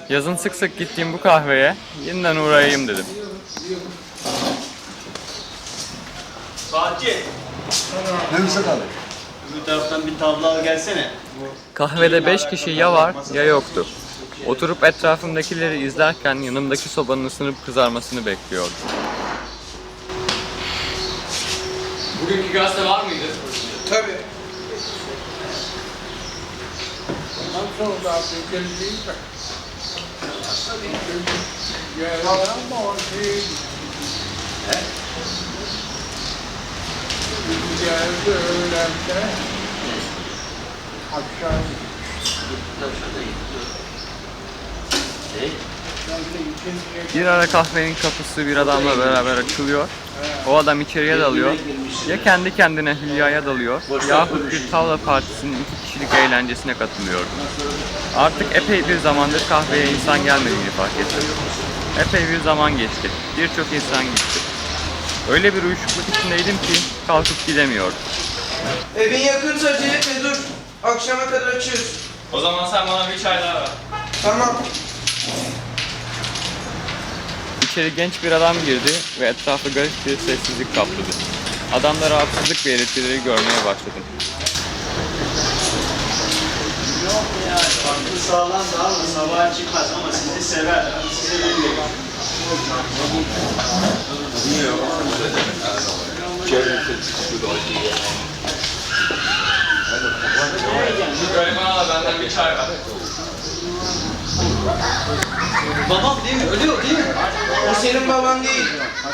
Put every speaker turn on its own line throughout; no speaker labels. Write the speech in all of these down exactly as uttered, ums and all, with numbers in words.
Yazın sık sık gittiğim bu kahveye yeniden uğrayayım dedim.
Fatih.
Ne Müsait abi?
Öbür taraftan bir tablo al gelsene.
Kahvede beş kişi ya var ya yoktu. Oturup etrafımdakileri izlerken yanımdaki sobanın ısınıp kızarmasını bekliyordum. Bugünkü gazete var mıydı?
Tabii. Ondan sonra da geldiğim de. Yalan o şey. Geldi öğlende. Akşam.
Bir ara kahvenin kapısı bir adamla beraber açılıyor. O adam içeriye dalıyor. Ya kendi kendine hülyaya dalıyor yahut bir tavla partisinin iki kişilik eğlencesine katılıyordu. Artık epey bir zamandır kahveye insan gelmediğini fark ettim. Epey bir zaman geçti. Birçok insan gitti. Öyle bir uyuşukluk içindeydim ki kalkıp gidemiyordum.
Evin yakınsa Cevdet dur. Akşama kadar açıyoruz.
O zaman sen bana bir çay daha ver.
Tamam.
İçeri genç bir adam girdi ve etrafı garip bir sessizlik kapladı. Adamda rahatsızlık belirtileri görmeye başladım.
Yok ya. Aklı sağlam da ama sabaha çıkmaz ama sizi sever. Sizi bilmiyor.
Şu garibana da benden bir çay ver.
Babam değil mi? Ölüyor değil mi?
O senin baban değil.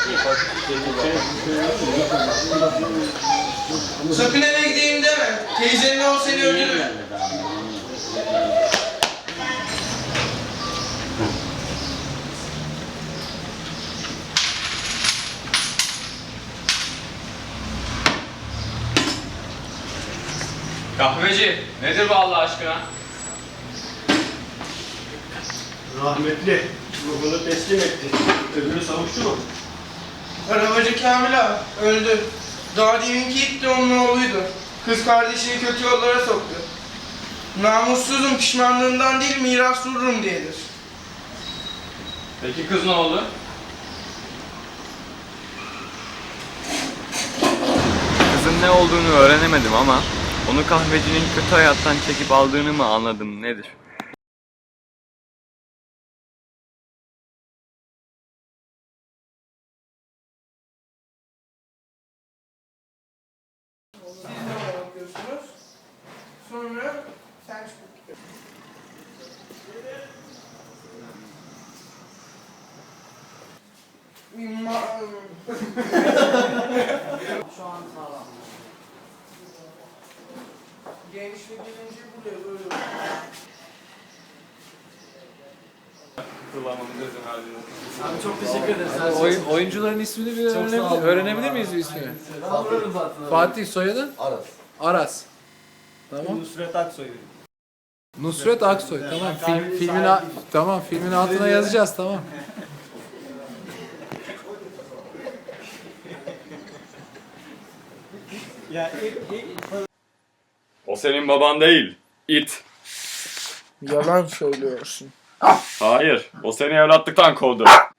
Sakın eve gideyim deme. Teyzenin o seni öldürür.
Kahveci, nedir bu Allah aşkına?
Rahmetli ruhunu teslim etti. Öbürü savuştu mu?
Arabacı Kamil ağa öldü. Daha deminki it de onun oğluydu. Kız kardeşini kötü yollara soktu. Namussuzum pişmanlığından değil miras vururum diyedir.
Peki kız ne oldu? Kızın ne olduğunu öğrenemedim ama onu kahvecinin kötü hayattan çekip aldığını mı anladım nedir?
Siz de bakıyorsunuz. Sonra sen çıkıp gidiyorsun. Ma- Şu an sağlam. Gençlik gelince buraya böyle.
Abi çok teşekkür ederiz. Oyun, oyuncuların ismini bir öğrenebilir, öğrenebilir miyiz bir ismini? Fatih soyadı?
Aras.
Aras. Tamam.
Nusret Aksoy.
Nusret Aksoy. Tamam. Film, filmin a- tamam filmin altına yazacağız tamam.
Ya ilk, ilk
O senin baban değil, it.
Yalan söylüyorsun.
Hayır, o seni evlatlıktan kovdu.